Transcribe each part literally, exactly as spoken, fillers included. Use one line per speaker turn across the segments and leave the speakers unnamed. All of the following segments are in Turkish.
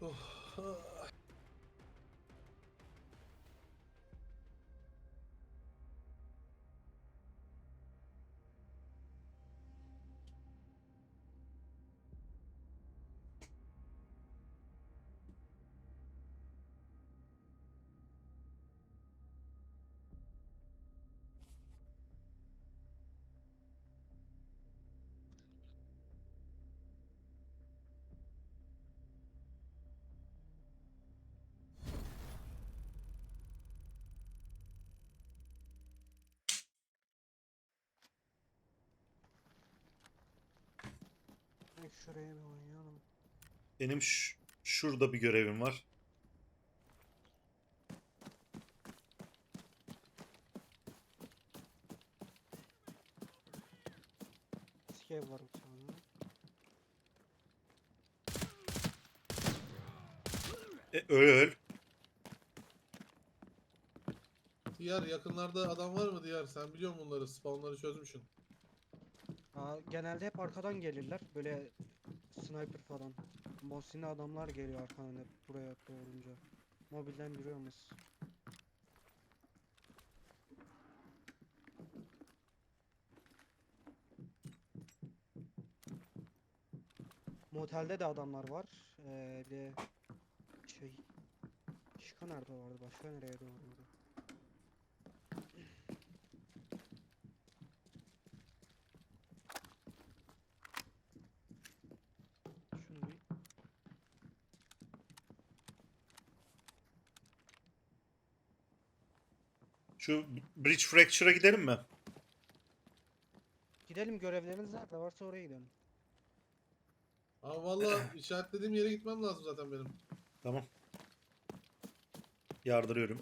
Oh.
Ay, şuraya bir oynayalım.
Benim ş- şurada bir görevim var.
Skev var bir tane.
E, öl öl.
Diğer yakınlarda adam var mı diğer? Sen biliyor musun bunları? Spawnları çözmüşsün.
Aa, genelde hep arkadan gelirler. Böyle sniper falan. Mosin'li adamlar geliyor arkadan hep buraya doğrunca. Mobilden yürüyoruz. Motelde de adamlar var. Ee, bir de şey... Şika nerede vardı? Başka nereye doğruydu? Şunu bir...
Şu Bridge Fracture'a gidelim mi?
Gidelim, görevleriniz nerede varsa oraya gidelim.
Ama valla işaretlediğim yere gitmem lazım zaten benim.
Tamam. Yardırıyorum.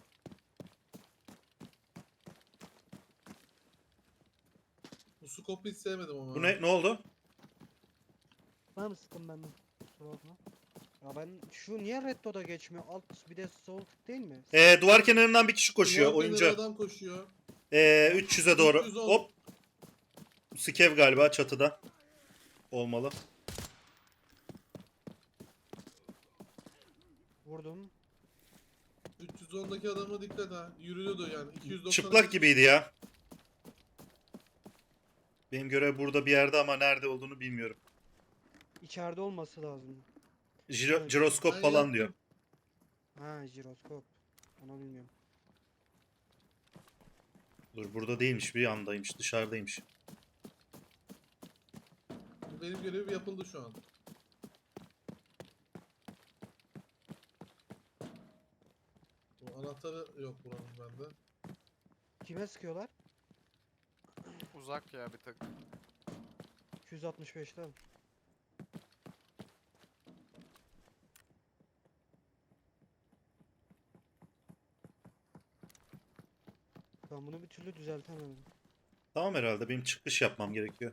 Bu scope'u hiç sevmedim ama.
Bu
ha.
ne? Ne oldu?
Var mı sıkın benden? Kusura bakma. Ya ben şu niye Red Dot'a geçmiyor? Alt bir de sol tık değil mi?
E, duvar kenarından bir kişi koşuyor.
Duvar kenarı
Oyuncu.
adam koşuyor.
E, üç yüze doğru.
üç yüz on.
Hop. Skev galiba çatıda. Olmalı.
Vurdum.
üç yüz ondaki adama dikkat ha. Yürüyordu yani. iki yüz doksan
Çıplak gibiydi ya. Benim görev burada bir yerde ama nerede olduğunu bilmiyorum.
İçeride olması lazım.
Jiro-
Evet.
jiroskop
Ben
falan diyor.
yaktım.
Ha, jiroskop. Onu bilmiyorum.
Dur, burada değilmiş, bir yandaymış, dışarıdaymış.
Benim görevim yapıldı şu an. Bu anahtarı yok buranın bende.
Kime sıkıyorlar?
Uzak ya bir tık.
iki yüz altmış beşte. Ben bunu bir türlü düzeltemedim.
Tamam, herhalde benim çıkış yapmam gerekiyor.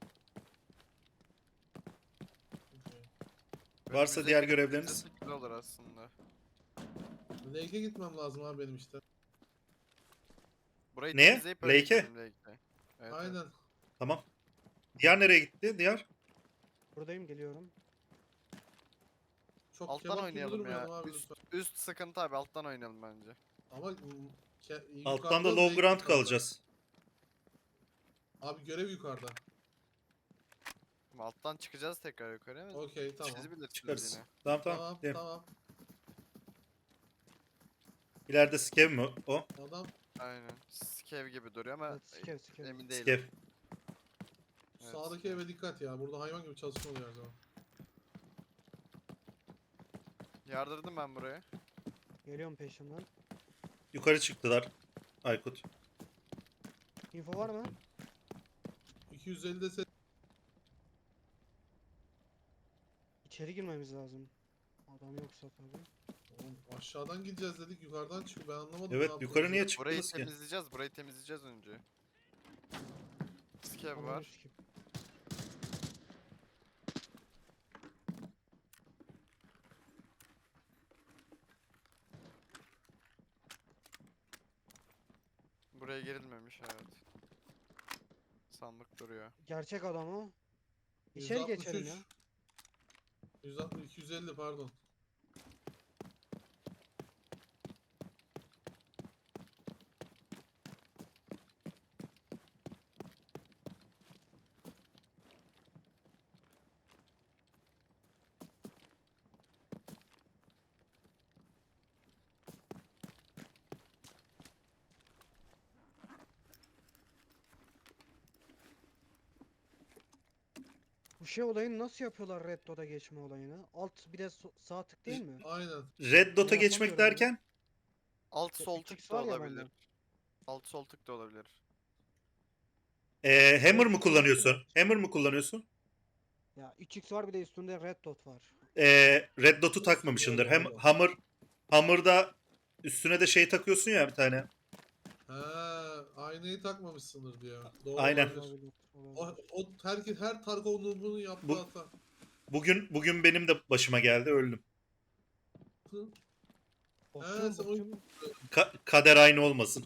Okay.
Varsa
Önümüze
diğer
gidip
görevleriniz?
gidecek güzel olur aslında.
Lake'e gitmem lazım abi benim işte.
Burayı
Neye?
temizleyip öyle
Lake'e?
gidelim Lake'e. Evet, evet.
Aynen.
Tamam. Diğer nereye gitti? Diğer?
Buradayım, geliyorum.
Çok
Alttan
kebap gibi
oynayalım
durmayalım
ya.
abi
Üst,
lütfen.
üst sıkıntı abi, alttan oynayalım bence.
Ama mm, ke-
Alttan
yukarıda
da low
Lake
ground
yukarıda.
kalacağız.
Abi görev yukarıda.
Ama alttan çıkacağız tekrar yukarı ama
Okey tamam.
siz bilirsiniz
Çıkarız.
yine.
Tamam tamam.
Tamam
Gidelim.
tamam.
İleride Skev mi o?
Adam
Aynen. Skev gibi duruyor ama
Evet, skev skev.
emin değilim.
Skev.
Evet,
sağdaki
Skev.
eve dikkat ya. Burada hayvan gibi çalışma oluyor her zaman.
Yardırdım ben buraya.
Geliyorum peşimden.
Yukarı çıktılar. Aykut.
Info var mı?
iki yüz ellide set.
İçeri girmemiz lazım. Adam yoksa tabii.
Oğlum aşağıdan gideceğiz dedik. Yukarıdan çıkıyor. Ben anlamadım ne
Evet,
yaptığınızı.
yukarı niye
Burayı
çıktınız ki?
temizleyeceğiz, burayı temizleyeceğiz önce. Skev
Ananı
var.
sikeyim.
Buraya girilmemiş, evet. Sandık duruyor.
Gerçek adam o. İçeri geçelim ya.
yüz altmış, iki yüz elli pardon.
Bu şey olayını nasıl yapıyorlar Red Dot'a geçme olayını? Alt bir de so- sağ tık değil mi?
Aynen.
Red Dot'a
Ben
geçmek
yapamıyorum onu.
derken
Alt
Ya
sol
üç x
tık da
var ya
olabilir.
bende.
Alt sol tık da olabilir.
ee, Hammer mı
Red Dot'a geçtim.
kullanıyorsun? Hammer mı kullanıyorsun?
Ya üç x var bir de üstünde Red Dot var.
Ee, Red Dot'u
Nasıl
takmamışsındır.
Allah
Hem
Allah.
Hammer Hammer'da üstüne de şey takıyorsun ya bir tane.
Ha, aynayı takmamışsındır diyor. Doğru
Aynen.
olabilir.
Olabilir.
O,
Olabilir.
o herkes her Tarkov noob'unun yaptığı
Bu-
hata.
Bugün bugün benim de başıma geldi, öldüm.
Hı?
Basıyorum
sen o-
basıyorum.
Ka- kader aynı olmasın.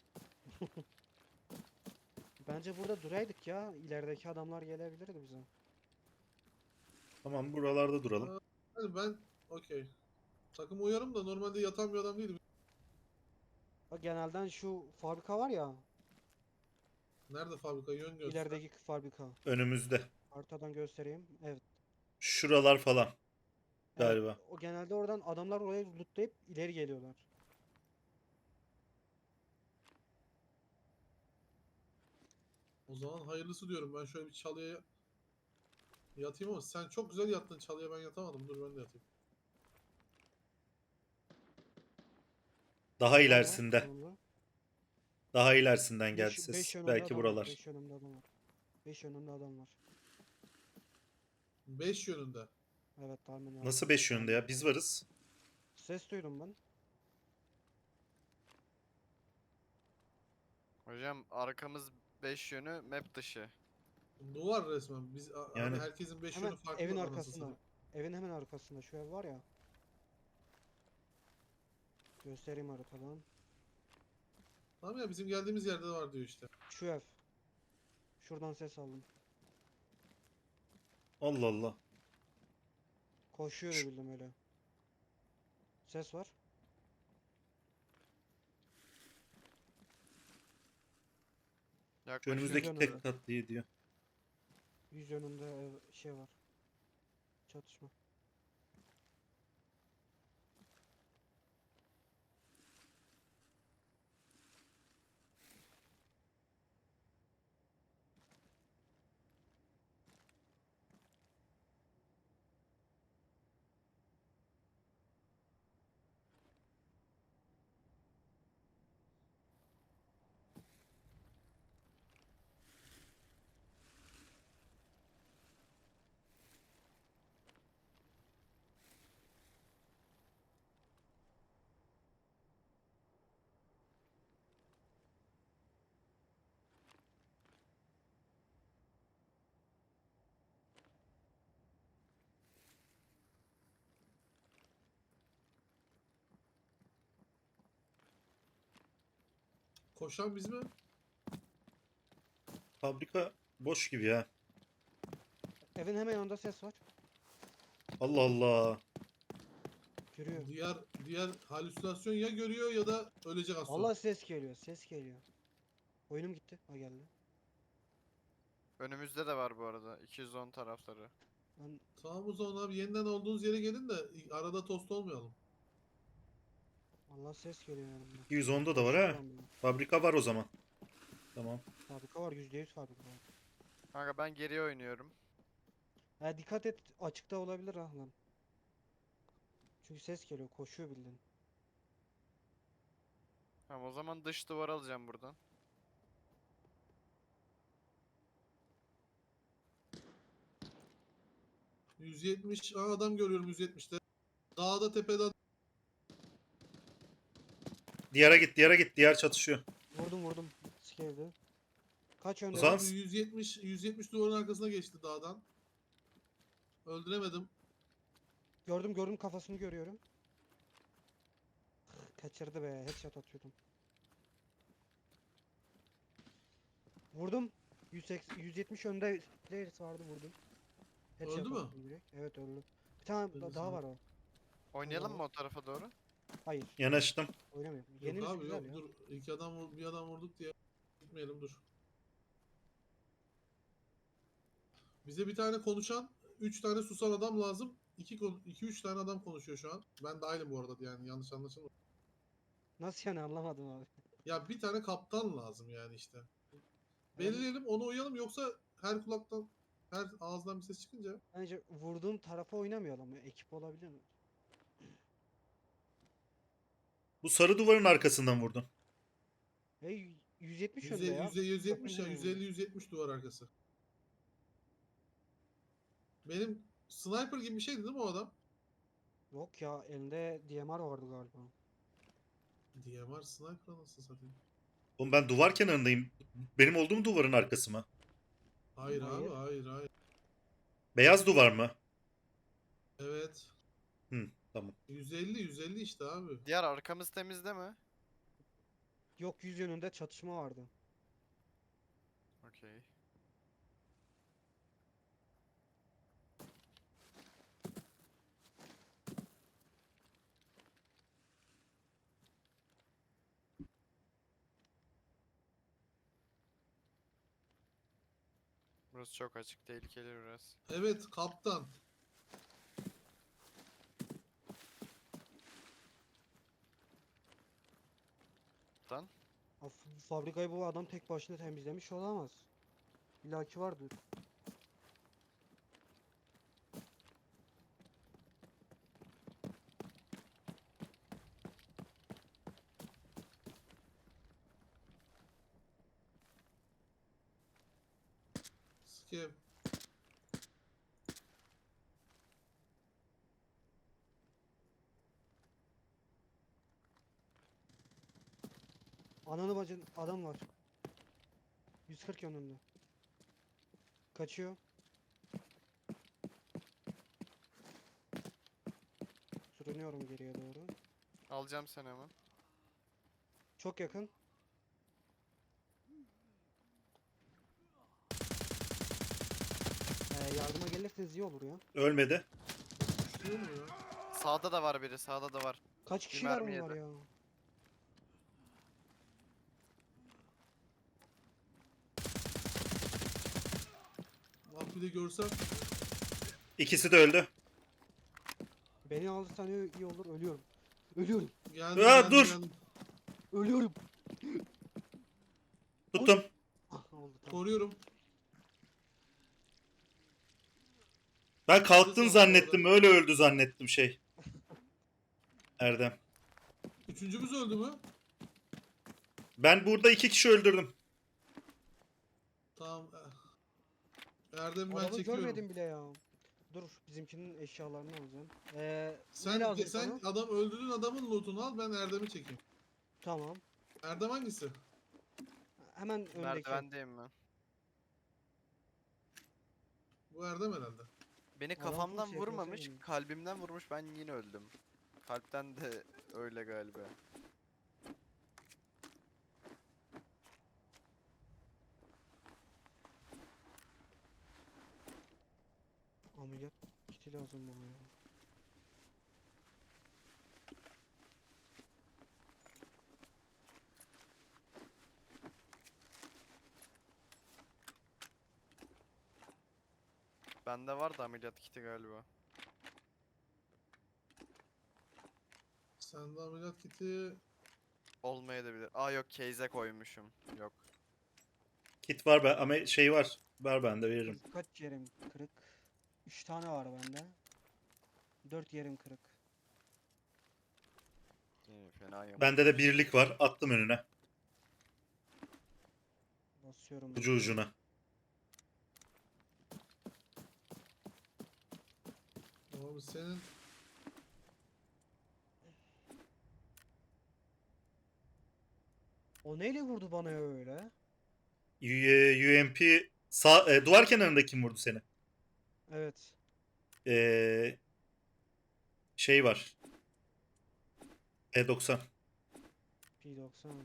Bence burada duraydık ya. İlerideki adamlar gelebilirdi bize.
Tamam, buralarda duralım.
Hani ben okey. Takım uyarım da normalde yatan bir adam değilim.
Bak genelden şu fabrika var ya.
Nerede fabrika yön göster.
İlerideki fabrika.
Önümüzde.
Haritadan göstereyim. Evet.
Şuralar falan
Evet.
galiba.
O genelde oradan adamlar oraya lootlayıp ileri geliyorlar.
O zaman hayırlısı diyorum. Ben şöyle bir çalıya yatayım ama sen çok güzel yattın çalıya, ben yatamadım. Dur ben de yatayım.
Daha
Nerede?
ilerisinde.
Sonunda.
Daha ilerisinden geldi
beş
ses.
yönünde
Belki
adam var.
buralar.
beş yönünde adam var. beş yönünde adam var.
beş yönünde.
Evet tahmin var.
Nasıl beş yönde ya? Biz varız.
Ses duydum ben.
Hocam arkamız beş yönü map dışı.
Duvar resmen. Biz a-
Yani.
hani herkesin beş
Hemen
yönü farklı
evin
anasını
arkasında.
satayım.
Evin hemen arkasında şu ev var ya. Göstereyim haritadan.
Tamam ya, bizim geldiğimiz yerde de var diyor işte.
Şu ev. Şuradan ses aldım.
Allah Allah.
Koşuyor
Şu-
bildim öyle. Ses var.
Şu
Yaklaşık
önümüzdeki
yönünde.
tek katlıyı diyor.
Yüz yönünde ev, şey var. Çatışma.
Koşan biz mi?
Fabrika boş gibi ya.
Evin hemen yanında ses var.
Allah Allah.
Yürüyor.
Diğer diğer halüsinasyon ya görüyor ya da ölecek az sonra.
Allah ses geliyor. Ses geliyor. Oyunum gitti. Ha geldi.
önümüzde de var bu arada. iki yüz on tarafları.
Ben
Tamam o zaman abi, yeniden olduğunuz yere gelin de arada tost olmayalım.
Allah ses geliyor yanımda.
iki yüz onda da var
Koşuyor
ha.
adam bana.
Fabrika var o zaman. Tamam.
Fabrika var. yüzde yüz fabrika var.
Kanka ben geriye oynuyorum.
Ha dikkat et. Açıkta olabilir ha lan. Çünkü ses geliyor. Koşuyor bildiğin.
Tamam o zaman dış duvar alacağım buradan.
yüz yetmiş. Aa, adam görüyorum yüz yetmişte. Dağda tepede adam.
Diğere git, diğere git. Diğer çatışıyor.
Vurdum vurdum. Sikevdi. Kaç
O
önde
zaman
var?
Abi yüz yetmiş yüz yetmiş duvarın arkasına geçti dağdan. Öldüremedim.
Gördüm gördüm kafasını görüyorum. Kaçırdı be. Headshot atıyordum. Vurdum. yüz seksen, yüz yetmiş önde players vardı vurdum. Headshot
Öldü mü?
attım direkt. Evet öldü. Bir tane
Öldü
da- daha
sanırım.
var o.
Oynayalım
Tamam.
mı o tarafa doğru?
Hayır.
Yanaştım.
Oynamıyorum.
Yok
Yenimiz
abi
güzel
yok
ya.
dur. İki adam vur- bir adam vurduk diye gitmeyelim dur. Bize bir tane konuşan, üç tane susan adam lazım. İki, kon- iki üç tane adam konuşuyor şu an. Ben dahilim bu arada, yani yanlış anlaşılma.
Nasıl yani anlamadım abi.
Ya bir tane kaptan lazım yani işte.
Ben-
Belirleyelim, onu uyalım, yoksa her kulaktan Her ağızdan bir ses çıkınca
Bence vurduğum tarafa oynamayalım ya. Ekip olabilir mi?
Bu sarı duvarın arkasından vurdun.
E, yüz yetmiş önde
yüz elli,
ya.
yüz elli, yüz yetmiş ya.
Sakın
yüz
hemen.
elli, yüz yetmiş duvar arkası. Benim sniper gibi bir şeydi değil mi o adam?
Yok ya, elinde D M R vardı galiba.
D M R sniper nasıl satayım?
Oğlum ben duvar kenarındayım. Benim olduğum duvarın arkası mı?
Hayır abi,
Hayır.
hayır, hayır.
Beyaz duvar mı?
Evet.
Hı, tamam.
yüz elli, yüz elli işte abi.
Diğer arkamız temizde mi?
Yok, yüz yönünde çatışma vardı.
Okey. Burası çok açık, tehlikeli biraz.
Evet kaptan.
Lan
Ha, f- fabrikayı bu adam tek başına temizlemiş olamaz. İlla ki vardır.
Skip.
Ananı bacın adam var. yüz kırk yönünde. Kaçıyor. Sürünüyorum geriye doğru.
alacağım seni hemen.
Çok yakın. Ee, yardıma gelirseniz iyi olur ya.
Ölmedi.
Düşüyor mu ya?
Sağda da var biri, sağda da var.
Kaç
Bir
kişiler
mermi
bunlar
yedi.
ya?
Bak bir de görsem.
İkisi de öldü.
Beni alırsan iyi iyi olur, ölüyorum. Ölüyorum.
Geldim,
Ya
geldim,
dur!
geldim.
Ölüyorum.
Tuttum.
Ah, oldu tamam.
Koruyorum.
Ben kalktın
Siz
zannettim.
orada.
Öyle öldü zannettim şey. Erdem.
Üçüncümüz öldü mü?
Ben burada iki kişi öldürdüm.
Tamam. Erdem'i ben
Adamı
çekiyorum.
görmedim bile ya. Dur, bizimkinin eşyalarını alacağım. Ee, ne
Sen
lazım
sen
sana?
adam öldürdüğün adamın lootunu al, ben Erdem'i çekeyim.
Tamam.
Erdem hangisi?
Hemen öndeki.
Merdivendeyim ben.
Bu Erdem herhalde.
Beni
Adam full
kafamdan
S P S
vurmamış,
oynuyor.
kalbimden vurmuş, ben yine öldüm. Kalpten de öyle galiba.
Ameliyat kiti lazım bana ya.
Bende var da ameliyat kiti galiba.
Sende ameliyat kiti
Olmayabilir. Aa yok, case'e koymuşum. Yok.
Kit var be ama şey var. Ver ben de veririm.
Dur, kaç yerim kırık? üç tane var bende. dört yerim kırık.
İyi, fena yok.
Bende de birlik var. Attım önüne.
Basıyorum.
Ucu ucuna.
abi senin
O neyle vurdu bana öyle?
U- UMP sağ, e, duvar kenarında kim vurdu seni?
Evet.
Ee, şey var. P doksan.
P doksan.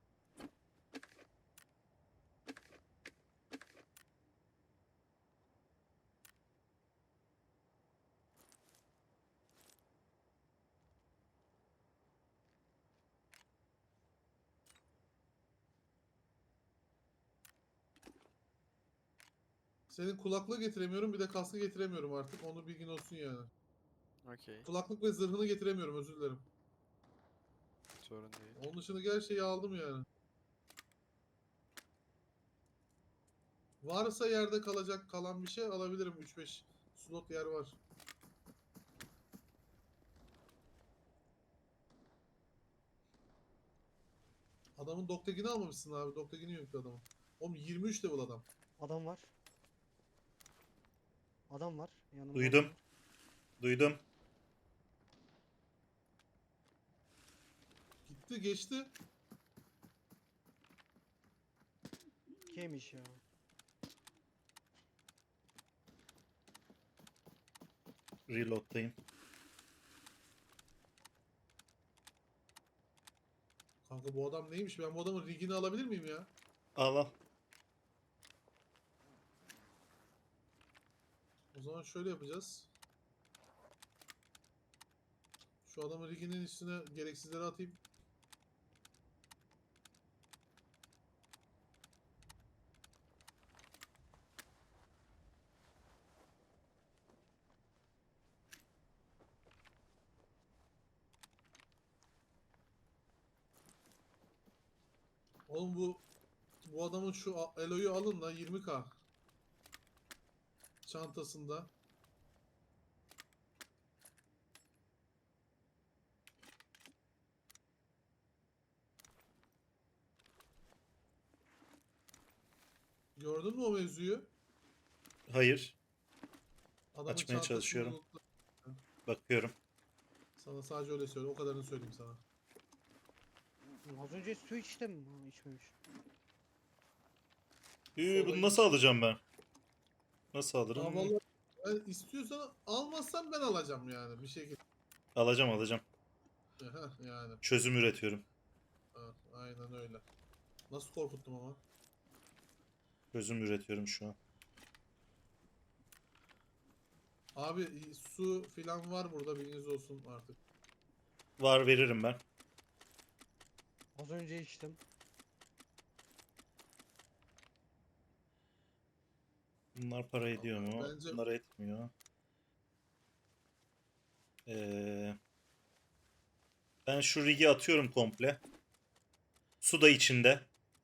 senin kulaklığı getiremiyorum, bir de kaskı getiremiyorum artık. Onu bilgin olsun yani.
Okey.
Kulaklık ve zırhını getiremiyorum, özür dilerim.
Sorun değil.
Onun dışındaki her şeyi aldım yani. Varsa yerde kalacak kalan bir şey alabilirim. üç beş slot yer var. Adamın Doktegin'i almamışsın abi. Doktegin'i yoktu adamın. Oğlum yirmi üç level adam.
Adam var. Adam var. Yanımda adam
Duydum.
var.
Duydum.
Gitti geçti.
Kimmiş ya?
Reload'dayım.
Kanka bu adam neymiş? Ben bu adamın rigini alabilir miyim ya?
Al al.
O zaman şöyle yapacağız. Şu adamın riginin üstüne gereksizleri atayım. Oğlum bu bu adamın şu a- Elo'yu alın da yirmi k çantasında. Gördün mü o mevzuyu?
Hayır.
Adamın
Açmaya
çantasını
çalışıyorum.
unuttu.
Bakıyorum.
Sana sadece öyle söyle. O kadarını söyleyeyim sana.
Az önce su içtim. Ha, içmemiş.
Üü,
Sola
bunu nasıl
iç.
alacağım ben? Nasıl
Ya
alırım?
vallahi ben istiyorsan almazsan ben alacağım yani bir şekilde.
Alacağım alacağım.
Heh, yani.
Çözüm üretiyorum.
Ha, aynen öyle. Nasıl korkuttum ama.
Çözüm üretiyorum şu an.
Abi i- su filan var burada bilginiz olsun artık.
Var veririm ben.
Az önce içtim.
Bunlar para ediyor mu?
Bence-
Bunlar etmiyor. Ee, ben şu rigi atıyorum komple. Su da içinde.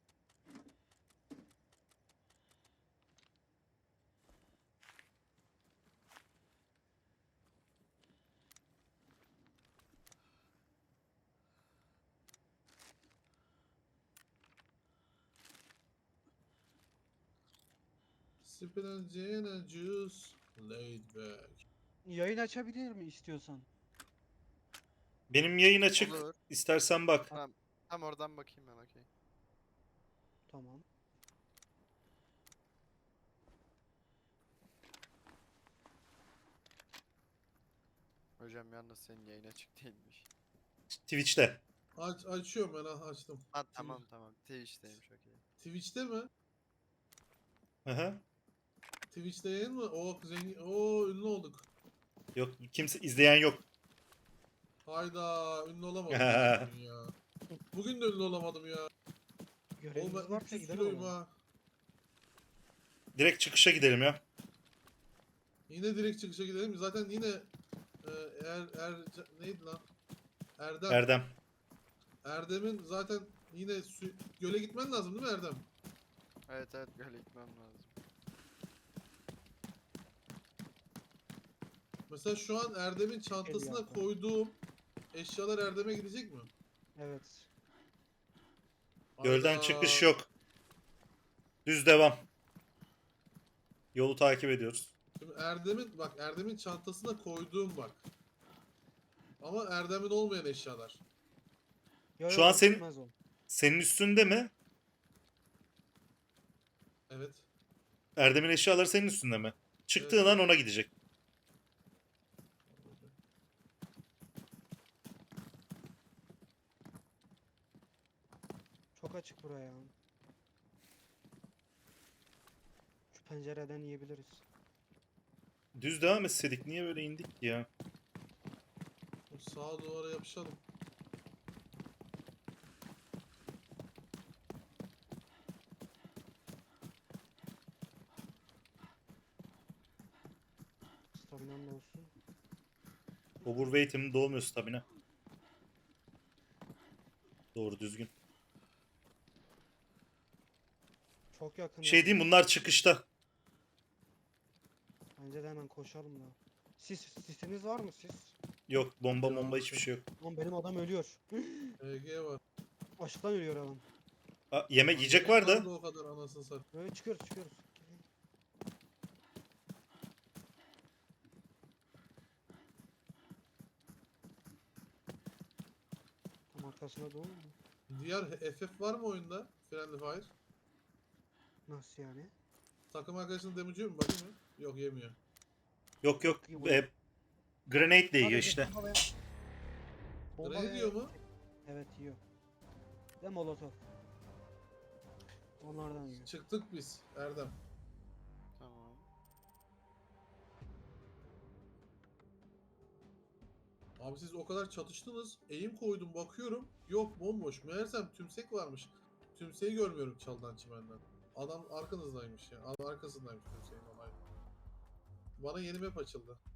Sipping and gin and juice, laid back.
Yayın açabilir mi istiyorsan?
Benim yayın açık.
Olur.
İstersen bak.
Tamam. Tam oradan bakayım ben, okey.
Tamam.
Hocam yalnız senin yayın açık değilmiş.
Twitch'te.
Aç, açıyorum ben ha, açtım.
Ha tamam tamam. Twitch'teymiş, okey.
Twitch'te mi?
Hı hı.
Twitch'te yayın mı? O zengin, o ünlü olduk.
Yok kimse izleyen yok.
Hayda ünlü olamadım ya bugün ya. Bugün de ünlü olamadım ya. Oğlum
Görevimiz
ben
varsa
üç yüz
gidelim
kiloyum
ama.
ha.
Direkt çıkışa gidelim ya.
Yine direkt çıkışa gidelim. Zaten yine e, er, er, neydi lan? Erdem.
Erdem.
Erdem'in zaten yine su, göle gitmen lazım değil mi Erdem?
Evet evet, böyle gitmem lazım.
Mesela şu an Erdem'in çantasına
yaptı.
koyduğum eşyalar Erdem'e gidecek mi?
Evet.
Gölden
Hayda.
çıkış yok. Düz devam. Yolu takip ediyoruz.
Şimdi Erdem'in bak Erdem'in çantasına koyduğum bak. Ama Erdem'in olmayan eşyalar.
Yo,
Şu
yo,
an senin-
gitmez o.
Senin üstünde mi?
Evet.
Erdem'in eşyaları senin üstünde mi? Çıktığın
Evet.
an ona gidecek.
Çok açık buraya. Şu pencereden yiyebiliriz.
Düz devam etseydik niye böyle indik ki ya?
Sağa duvara yapışalım.
Staminam da olsun.
Overweight'im dolmuyor stamina. Doğru düzgün.
Çok çok yakın.
Şey
ya.
diyeyim, bunlar çıkışta.
Bence de hemen koşalım da. Sis, sisiniz var mı siz?
Yok, bomba
Yok.
bomba hiçbir şey yok.
Lan benim adam ölüyor.
E G var.
Açlıktan ölüyor adam.
Aa, yemek
Lan
yiyecek
yemek
var da.
vardı o kadar anasını satayım.
Böyle çıkıyoruz çıkıyoruz. Tam arkasına doğru mu?
Diğer F F var mı oyunda? Friendly Fire.
Nasıl yani?
Takım arkadaşını damage'ıyor mu? Bakayım mı? Yok yemiyor.
Yok yok.
İyi
E, grenade de yiyor
Sadece
işte.
bomba ve- bomba
Grenade
ve-
yiyor mu?
Evet yiyor. Ve molotof. Onlardan yiyor.
Çıktık biz Erdem.
Tamam.
Abi siz o kadar çatıştınız. Eğim koydum bakıyorum. Yok bomboş. Meğersem tümsek varmış. Tümseyi görmüyorum çaldan çimenden. Adam arkanızdaymış ya. Adam arkasındaymış tümseyin olay. Bana yeni map açıldı.